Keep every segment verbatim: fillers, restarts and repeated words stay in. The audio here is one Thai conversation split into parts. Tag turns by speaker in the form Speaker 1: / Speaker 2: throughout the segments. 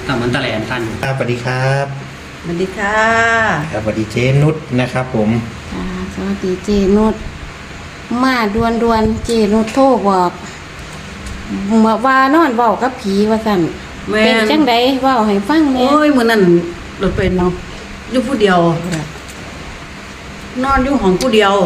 Speaker 1: ตำมันตะแหลนท่าน
Speaker 2: ครับสวัสดีครับ
Speaker 3: สวัสดีค่ะ
Speaker 2: ครับสวัสดีเจนุชนะครับผม
Speaker 4: อ่าสวัสดีเจนุชมาดวนดวนๆเจนุชโทรบอกเมื่อวานอนเว้ากับผีว่าสั่น
Speaker 3: แม่
Speaker 4: เป็น
Speaker 3: น
Speaker 4: จังไดเว้าให้ฟังแหน่
Speaker 3: โอ้ยมื้อนั้นรถเป็นเนาะอยู่ผู้เดียว นอนอยู่ห้องผู้เดียว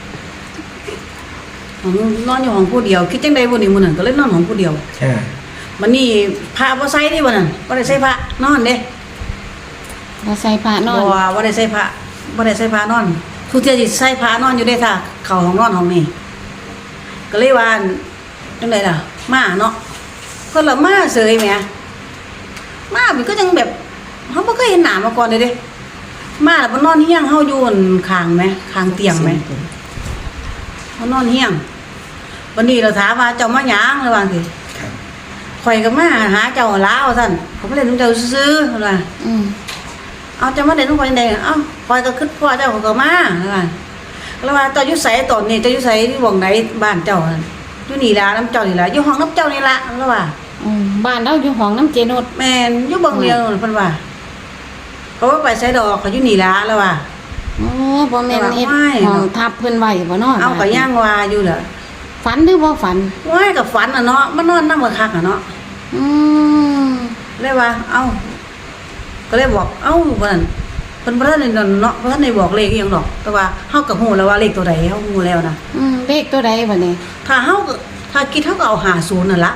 Speaker 3: ห้องนอนอยู่ห้องผู้เดียวคิดจังได๋บ่นี่มื้อนั้นก็เลยนอนห้องผู้เดียว
Speaker 2: อ่า
Speaker 3: มันนี่พระบ่ใส่นี่บ่นั่นบ่ได้ใส่พระนอนเด้
Speaker 4: เราใส่ผ้านอน
Speaker 3: บ่ว่าบ่ได้ใส่พระบ่ได้ใส่พระนอนทุกเที่ยสิใส่พระนอนอยู่เด้ถ้าเข้าห้องนอนห้องนี้ก็เลยว่าจังไดล่ะมาเนาะก็ละมาเสยแหมมามันก็จังแบบเฮาบ่เคยเห็นหน้ามาก่อนเลยเด้มาแล้วมันนอนเฮียงเฮาอยู่ข้างไหมข้างเตียงไหมมันนอนเฮียงวันนี้เราถามว่าเจ้ามาหยังระหว่างสิ
Speaker 2: ครับ
Speaker 3: ข่อยก็มาหาเจ้าลาวซั่นผมบ่ได้นำเจ้าซื่อๆเพิ่นว่า
Speaker 4: อืม
Speaker 3: เอาเจ้ามาได้นำข่อยจังได๋เอ้าข่อยก็คิดพ่อเจ้าเขาก็มาเพิ่นว่าแล้วว่าเจ้าอยู่ไสตอนนี้เจ้าอยู่ไสที่หม่องไหนบ้านเจ้านั่นอยู่นี่ล่ะนำเจ้านี่ล่ะอยู่ห้องนำเจ้านี่ล่ะแล้วว่า
Speaker 4: อืมบ้านเราอยู่ห้องน้ำเจนุช
Speaker 3: แม่นอยู่เบิ่งเดียวนั่นเพิ่นว่าเขาว่าไปไสดอกเขาอยู่นี่ล่ะแล้วว่า
Speaker 4: โอ้บ่แม่นเฮ็ด
Speaker 3: ไม่
Speaker 4: ห้องทับเพิ่นไว้บ่เนาะ
Speaker 3: เอาก็ย่างว่าอยู่ล่ะ
Speaker 4: ฝันหรือบ่ฝัน
Speaker 3: ว้ายกับฝันอ่ะเนาะมันนอนนำกับคักอ่ะเนาะ
Speaker 4: อืม
Speaker 3: เลยว่า เอ้า ก็เลยบอก เอ้าว่านั่นเพิ่นบ่ทันได้เนาะบ่ทันได้บอกเลขอีหยังดอก แต่ว่าเฮาก็ฮู้แล้วว่าเลขตัวใดเฮาฮู้แล้วนะ
Speaker 4: อืมเลขตัวใดบัดนี้
Speaker 3: ถ้าเฮาก็ถ้าคิดเฮาก็เอาห้าสิบนั่นล่ะ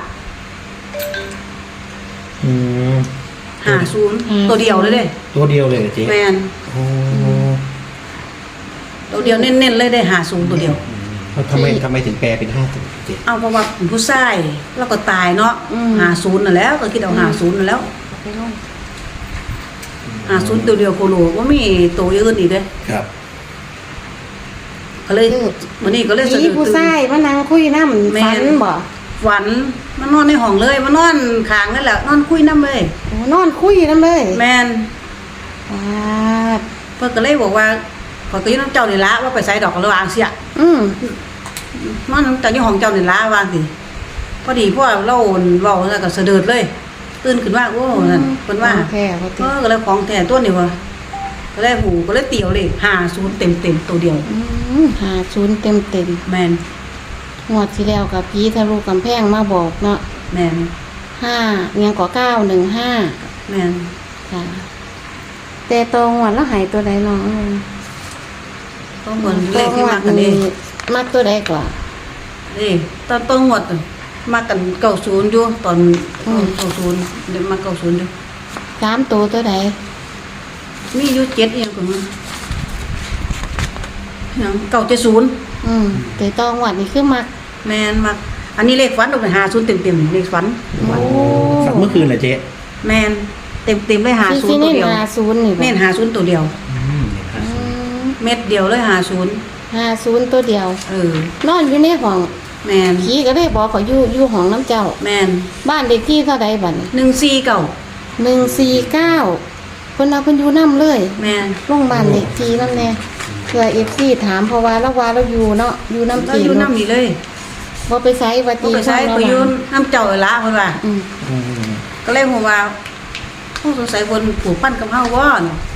Speaker 2: อืม
Speaker 3: ห้าสิบตัวเดียวเลยเด้
Speaker 2: ตัวเดียวเลยเหรอเจ๊
Speaker 3: แม่น
Speaker 2: โอ้
Speaker 3: ตัวเดียวเน้นๆเลยได้ห้าสิบตัวเดียว
Speaker 2: แล้วทำไมทำไมถึงแปลเป็นห้าตัวเจ๊
Speaker 3: เอาเพราะว่าเป็นผู้ชายแล้วก็ตายเนาะ
Speaker 4: อืม
Speaker 3: ห้าสิบนั่นแหล้วก็คิดเอาห้าสิบนั่นแล้ว
Speaker 4: ไปลง
Speaker 3: ห้าสิบตัวเดียวโคโลบ่มีตัวอื่นอีกเด้
Speaker 2: ครับ
Speaker 3: ก็เลยมื้อนี้ก็เลยสะ
Speaker 4: ผี
Speaker 3: ดุด
Speaker 4: ผู้
Speaker 3: ตื่น
Speaker 4: ชายมานั่งคุยนำ
Speaker 3: แม่
Speaker 4: ฝัน
Speaker 3: น
Speaker 4: บ่
Speaker 3: ฝันมันนอนในห้องเลยมันนอนข้างนั่นแหละนอนคุยน้ำเลย
Speaker 4: โอ้นอนคุยนำเลย
Speaker 3: แมน
Speaker 4: อ่า
Speaker 3: เพิ่นก็เลยบอกว่าขอยก็อยู่น้ำเจ้านี่ละว่าไปใส่ดอกกระวางเสีย
Speaker 4: อืม
Speaker 3: นอนน้ำเจ้าอยู่ห้องเจ้านี่ละวางสิพอดีพ่อเราเว้าแล้วก็สะเดิดเลย ตื่นขึ้นว่าโอ้นั่นเพิ่นว่า
Speaker 4: ของแท้บ่
Speaker 3: เอ
Speaker 4: ติ
Speaker 3: อก็เลยของแท้ตัวนี้ว่าก็เลยหูก็เลยเตียวเลยห้าศูนย์เต็มๆตัวเดียว
Speaker 4: อืมหาศูนย์เต็มเต็ม
Speaker 3: แมน
Speaker 4: ๆงวดที่แล้วกับผีทะลุกำแพงมาบอกเนาะ
Speaker 3: แมน
Speaker 4: ห้าเงียงกว่าเก้าหนึ่งห้า
Speaker 3: แมน
Speaker 4: ค่ะแต่ตรงวันแล้วหายตัวใดน้องเอ้ย
Speaker 3: ก็เหมือนเลขที่มากันนี่
Speaker 4: มากตัวใดกว่า
Speaker 3: นี่ตอนต้นหมดมากันเก้าศูนย์อยู่ตอนเก้าศูนย์เดี๋ยวมาเก้าศูนย์อยู่
Speaker 4: สามตัวตัวใด
Speaker 3: มีอยู่เจ็ดเองของมันเก้าเจ็ดศูนย์
Speaker 4: อืมแต่ตองวันนี้คือมัก
Speaker 3: แมนมาอันนี้เลขฝันตรงไหนหาศูนย์เต็มเต็มๆเลขฝัน
Speaker 4: โอ้
Speaker 2: ฝันเมื่อคืนเหรอเจ๊
Speaker 3: แมนเต็มเต็มๆเลยหา
Speaker 4: ที่
Speaker 3: ศูน
Speaker 4: ที่
Speaker 3: ย์ตัว
Speaker 4: เน้น
Speaker 3: เดียว
Speaker 4: หาศูนย์นี่บ่
Speaker 3: เน้นหาศูนย์ตัวเดียว
Speaker 2: อืมเนี่ยครับ
Speaker 4: อืม
Speaker 3: เม็ดเดียวเลยหาศูนย์
Speaker 4: หาศูนย์ตัวเดียว
Speaker 3: เออน
Speaker 4: อนอยู่ในห้อง
Speaker 3: แมน
Speaker 4: ผีก็ได้บอกเขาอยู่อยู่ห้องน้ำเจ้า
Speaker 3: แมน
Speaker 4: บ้านเด็กที่เท่าใดบัดนี้
Speaker 3: หนึ่งสี่เก่า
Speaker 4: หนึ่งสี่เก้าเพิ่นเอาเพิ่นอยู่น้ำเลย
Speaker 3: แมน
Speaker 4: โรงพยาบาลเด็กทีนั่นแน่เพื่อเอฟซีถามเพราะว่าเราว่าเราอยู่เนาะอยู่น้ำ
Speaker 3: เรา
Speaker 4: ตี
Speaker 3: อยู่น้ำนี่เลย
Speaker 4: บ่ไปไสวั
Speaker 3: ก็
Speaker 4: ตี
Speaker 3: ไปใช้
Speaker 4: ข้าง
Speaker 3: ไป
Speaker 4: เรา
Speaker 3: อยืน
Speaker 4: ว่า
Speaker 3: น้ำเจ้าเลยละเพิ่นว่า
Speaker 4: อืม
Speaker 2: อืม
Speaker 3: ก็เลยผมว่าผู้สงสัยคนผูกพันกับเฮาว่า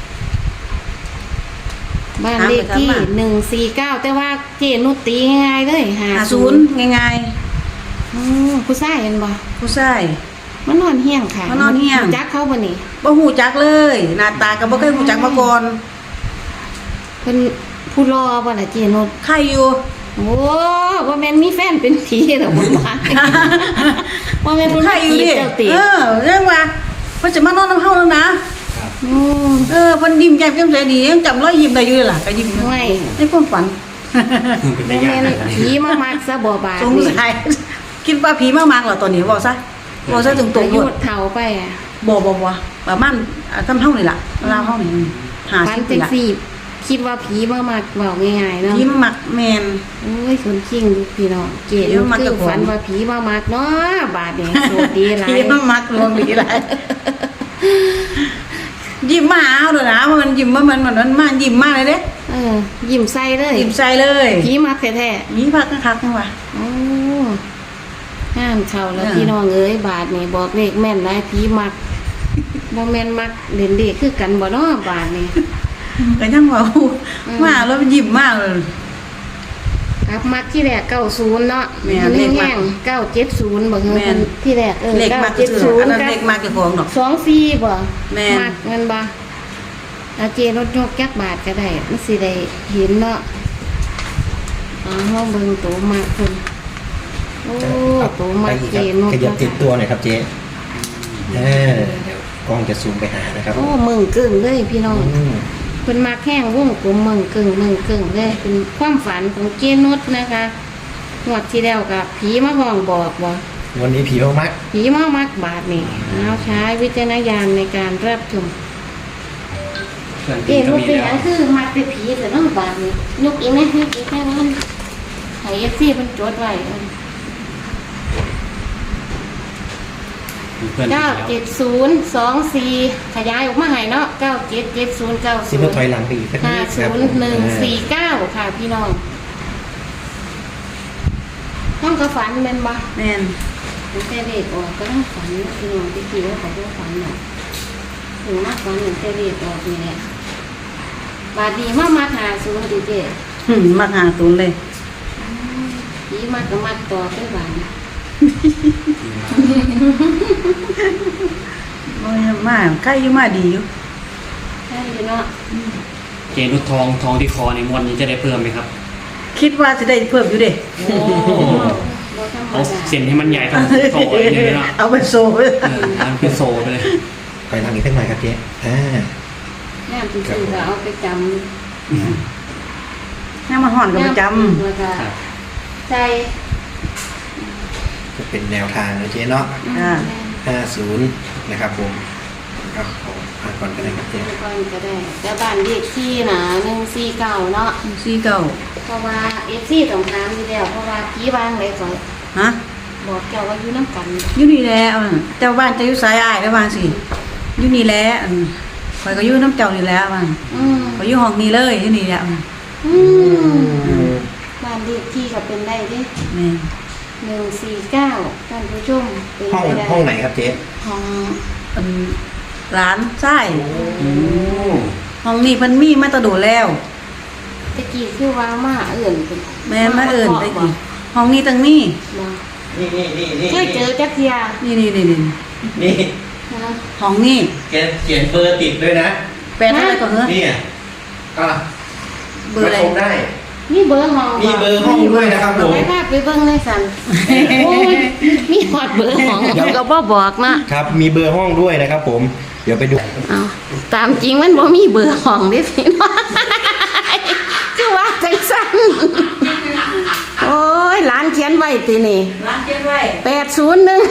Speaker 4: บ้านเลขที่
Speaker 3: ถามไปถามมา
Speaker 4: หนึ่งสี่เก้าแต่ว่าเจนุชตีง่ายๆเลยหา
Speaker 3: หา
Speaker 4: ศู
Speaker 3: ศู
Speaker 4: น
Speaker 3: น
Speaker 4: ย์
Speaker 3: ย์ง่าย
Speaker 4: อืมผู้ชายเห็นบ่
Speaker 3: ๆผู้ชาย
Speaker 4: มันนอนเฮี้ยงค่ะ
Speaker 3: มันนอนเฮี้ยง
Speaker 4: จักเขาบ่นี่
Speaker 3: บ่ฮู้จักเลยหน้าตาก็บ่เคยฮู้จักมาก่อน
Speaker 4: เพิ่นผู้รอบ่ล่ะเจนุช
Speaker 3: ใครอยู่
Speaker 4: โอ้บ่แม่นมีแฟนเป็นผีหรอกบ่ว่าบ่แม่นเพิ่น
Speaker 3: ใคร
Speaker 4: มา
Speaker 3: อยู่
Speaker 4: จีบ
Speaker 3: ดิ
Speaker 4: เจ้าติ
Speaker 3: เออเรื่องว่าเพิ่นจะมานอนนำเฮาแล้วนะ
Speaker 4: อืม
Speaker 3: เออเพิ่นยิ้มแย้มแจ่มใสดียังจำรอยยิ้มได้อยู่เลยล่ะก็ยิ้มอยู่
Speaker 4: ไม่
Speaker 3: ในความฝัน
Speaker 1: เป็น
Speaker 4: บ่
Speaker 1: ได้ยาก
Speaker 4: แม่น
Speaker 1: นะ
Speaker 4: ผีมามักซะบ่บาด
Speaker 3: สง
Speaker 4: นี่
Speaker 3: สัยคิดว่าผีมามากเหรอตอนนี้เว้าซะเว้าซะตรง
Speaker 4: อา
Speaker 3: ๆ
Speaker 4: ยุ
Speaker 3: หมด
Speaker 4: เฒ่าไปอ่ะ
Speaker 3: บ่บ่บ่ประมาณอ่าทำเฮานี่ล่ะลาวเฮานี่
Speaker 4: ฝัน
Speaker 3: ห้าสิบ
Speaker 4: จั
Speaker 3: นี่
Speaker 4: ง
Speaker 3: ล่ะ
Speaker 4: ซี่คิดว่าผีมามักเว้าง่ายๆเนาะ
Speaker 3: ผีมามักแม่น
Speaker 4: โอ้ยคนจริงดูพี่น้องเก
Speaker 3: ผี
Speaker 4: ลู
Speaker 3: มามัก
Speaker 4: คื
Speaker 3: เจ้า
Speaker 4: อ
Speaker 3: ของ
Speaker 4: ฝันว่าผีมามักเนาะบาดนี้โชคดีหลาย
Speaker 3: ผีมามักลวงดีหลายยิ้มมาหาเอาเด้อนะว่ามันยิ้มว่ามันมันมันมายิ้มมาเลยเด้
Speaker 4: เออยิ้มใส่เลย
Speaker 3: ยิ้มใส่เลย
Speaker 4: ผีมักแท้
Speaker 3: มีพักคักๆจังว่า
Speaker 4: ๆโอ้ห้ามเข้าแล้ว
Speaker 3: เออ
Speaker 4: พี่น้องเอ้ยบาดนี้บอกเลขแม่นหลายผีมักบ่แม่นมักเล่นเด็กคือกันบ่เนาะบาดนี้
Speaker 3: ก็ยังว่ามาแล้วมันยิ้มมากเลย
Speaker 4: ครับมักที่แรกเก้าศูนย์เนาะ
Speaker 3: แม่น
Speaker 4: เล
Speaker 3: เล
Speaker 4: ข
Speaker 3: ขมั
Speaker 4: แห้
Speaker 3: ก
Speaker 4: งเก้าเจ็ดศูนย์บ่เฮ
Speaker 3: แม่น
Speaker 4: ที่แรกเออ
Speaker 3: เลขมากก็
Speaker 4: เจ็ด
Speaker 3: คือ
Speaker 4: ศูน
Speaker 3: อัน
Speaker 4: ย์
Speaker 3: นั้น
Speaker 4: กับ
Speaker 3: เลขมากเจ้าของดอก
Speaker 4: สองสี่บ่
Speaker 3: แม่น
Speaker 4: มักเงินบ่อาเจรถยกจักบาทก็ได้มันสิได้เห็นเนาะอ๋อเฮาเบิ่งตัวมากเพิ่นโอ้ตัว
Speaker 2: ไป
Speaker 4: มาก
Speaker 2: อีก
Speaker 4: เจ
Speaker 2: ครับ
Speaker 4: นก
Speaker 2: ขยับติดตัวหน่อยครับเจ๊เออเดี๋ยวกล้องจะซูมไปหานะครับ
Speaker 4: โอ้มึงกึ่งเลยพี่น้อง
Speaker 2: อืม
Speaker 4: เพิ่นมาแข้งวงกลมมึงกึ่งมึงกึ่งเลยเป็นความฝันของเจนุชนะคะงวดที่แล้วกับผีมาห้องบอกบ่
Speaker 2: วันนี้ผีมากมัก
Speaker 4: ผีมามักบาทนี่เอาใช้วิจารณญาณในการรับชม
Speaker 1: เพื่อน
Speaker 4: เจ
Speaker 1: พี่ก็
Speaker 4: นุช
Speaker 1: มี
Speaker 4: เป็นห
Speaker 1: แล้
Speaker 4: ยั
Speaker 1: ว
Speaker 4: งคือมักเป็นผีแต่น้องบาทนี่ยกอีกไหมยกอีกแค่นั้นให้เอฟซีเพิ่นจดไว้
Speaker 1: มีเพื่อนพี่
Speaker 4: เก้า
Speaker 1: แล้ว
Speaker 4: เจ็ดศูนย์สองสี่ขยายออกมาให้เนาะเก้าเจ็ดเจ็ดศูนย์เก้า
Speaker 2: ซิ
Speaker 4: ศู
Speaker 2: ม
Speaker 4: นย์
Speaker 2: ถอยหลังไปอีกสักนิ
Speaker 4: ห้า
Speaker 2: ดค
Speaker 4: ศู
Speaker 2: รับ
Speaker 4: นย์หนึ่งสี่เก้าค่ะพี่น้องต้องกระฝันเป็นบ่
Speaker 3: แม่น
Speaker 4: ตั้งแต่เด็กออกก็ต้องฝันนะพี่น้องที่คิดว่าเขาต้องฝันน่ะถึงมากฝันตั้งแต่เด็กออกนี่แหละบาดนี้มามาหาศูนย์ดีเจ
Speaker 3: หึมักหาตูนเลย
Speaker 4: ยี่มากก็มากต่อไปหวาน
Speaker 3: โอ้ยมาใกล้อยู่มาดีอยู่
Speaker 4: ใช่เนาะ
Speaker 1: เจนุชทองทองที่คอในงวดนี้จะได้เพิ่มไหมครับ
Speaker 3: คิดว่าจะได้เพิ่มอยู่เด้
Speaker 4: โอ้บ่ธรรม
Speaker 1: เอา
Speaker 4: ดา
Speaker 1: เส้นให้มันใหญ่ต้องโซ่เลยเนี่ยเนาะ
Speaker 3: เอาไปโซ่
Speaker 1: เออมันเป็นโซ่ไปเลย
Speaker 2: ถอยหลังอีกสักหน่อยครับเจ๊อ่า
Speaker 4: แม่ที่ซื้อก็เอาไปจำ
Speaker 3: น้ำมันห่อนก็ประจ
Speaker 4: แล้วก็
Speaker 1: ครับ
Speaker 4: ใส่
Speaker 2: จะเป็นแนวทางนะเจ๊เนาะ
Speaker 3: ำอ่า
Speaker 2: ห้าศูนย์นะครับผมครับผมอ่านก่อนกันเลยครับเจ๊
Speaker 4: ก่อนก็ได้แต่บ้านเลขที่นะหนึ่งสี่เก้าเนาะ
Speaker 3: สี่เก้า
Speaker 4: เพราะว่าเอฟซีต้องถามอยู่แล้วเพราะว่าผีวางเลยก่อน
Speaker 3: ฮะ
Speaker 4: บอกเจ้าว่าอยู่น้ำกัน
Speaker 3: อยู่นี่แหละอ่ะเจ้าบ้านจะอยู่สายอ้ายแล้วบางสิอยู่นี่แหละอันข่อยก็อยู่น้ำเจ้านี่แหละบาง
Speaker 4: อืม
Speaker 3: ข่อยอยู่ห้องนี้เลยอยู่นี่แหละอ่ะ
Speaker 4: อืมบ้านเลขที่ก็เป็นได้เดิ
Speaker 3: แม่น
Speaker 4: หนึ่งสี่เก้าท่านผู้ชมเป็น
Speaker 2: ห้อง
Speaker 4: ไปได้
Speaker 2: ห้องไหนครับเจ๊
Speaker 4: ห้อง
Speaker 3: อันร้านใช่
Speaker 1: โอ้
Speaker 3: ห้องนี้เพิ่นมีมาแตะโดดแล้ว
Speaker 4: ตะกี้คือว่ามาเอื่นเป็น
Speaker 3: แม่นมาเอิ้นไปกี่ห้องนี้ตั้งนี้
Speaker 4: บ่
Speaker 2: นี่นี่นี่นี่
Speaker 4: เคยเจอจักเทีย
Speaker 3: นี่นี่นี่นี่
Speaker 2: นี่
Speaker 4: นะ
Speaker 3: ห้องนี้
Speaker 2: แกเขียนเบอร์ติดด้วยนะ
Speaker 3: แปดเท่าไหร่ก่อนเหรอ
Speaker 2: นี่อ่ะอ่ะ
Speaker 3: เบอร์อะไร
Speaker 2: มาชมได้
Speaker 4: มีเบอร์ห้อง
Speaker 2: มีเบอร์ห้องด้วยนะครับผม
Speaker 4: ไปพาไปเบิ่งเลยสันโอ้ยมีฮอดเบอร์ห้องเดี๋ยวก็บ่บอกนะครับ
Speaker 2: มีเบอร์ห้องด้วยนะครับผม เดี๋ยวไปดู
Speaker 4: เอาตามจริงมันบ่มีเบอร์ห้องเด้พี่น้องคือว่าจังซั่นโอ้ยหลานเขียนไว้ตินี่
Speaker 3: ร้านเจ๊ไว้
Speaker 4: แปดศูนย์หนึ่ง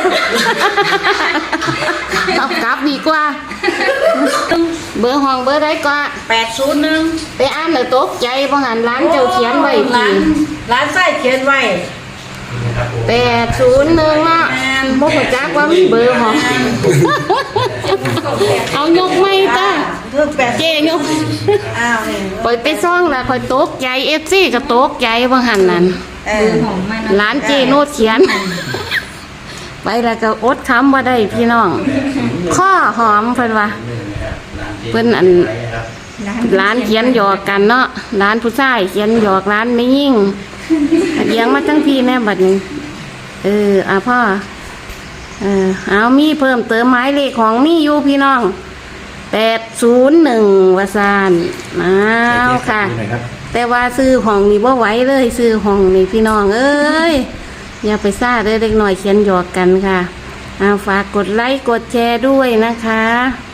Speaker 4: ตอบกลับดีกว่า เบอร์ห้องเบอร์ใดก็
Speaker 3: แปดศูนย์หนึ่ง
Speaker 4: ไปอ่านแล้วตกใจบ่หันร้านเจ้าเขียนไว้
Speaker 3: ร้า
Speaker 4: ที
Speaker 3: นร้านไส้เขียนไว้
Speaker 4: แปดศูนย์หนึ่งอ่ะบ่เข้าจักว่ามีเบอร์ห้องเอายกไม่ต้า
Speaker 3: เพิ่มแปด
Speaker 4: เจยก
Speaker 3: อ้าวนี่
Speaker 4: ปล่อยไปซ่องแล้วคอยตกใจ เอฟซีก็ตกใจบ่หันนั่น
Speaker 3: เออ
Speaker 4: ร้านเจโนดเขียน ไปแล้วก็อดคำว่าได้พี่น้อง ข้อหอมเพิ่นว่าเพิ่นอันร้านเขียนหยอกกันเนาะร้านผู้ชายเขียนหยอกร้านไม่ยิ่งเลี้ยงมาทั้งพี่แม่บัดนี้เอออ่ะพ่อเออเอามีเพิ่มเติมหมายเลขของมีอยู่พี่น้องแปดศูนย์หนึ่งวาซานอ้าวค่ะ
Speaker 2: ดูหน่อยครับ
Speaker 4: แต่ว่าซื้อห้องนี่บ่ไหวเลยซื้อห้องนี่พี่น้องเอ้ยอย่าไปซ่าเด้อเด็กหน่อยเขียนหยอกกันค่ะเอาฝากกดไลค์กดแชร์ด้วยนะคะ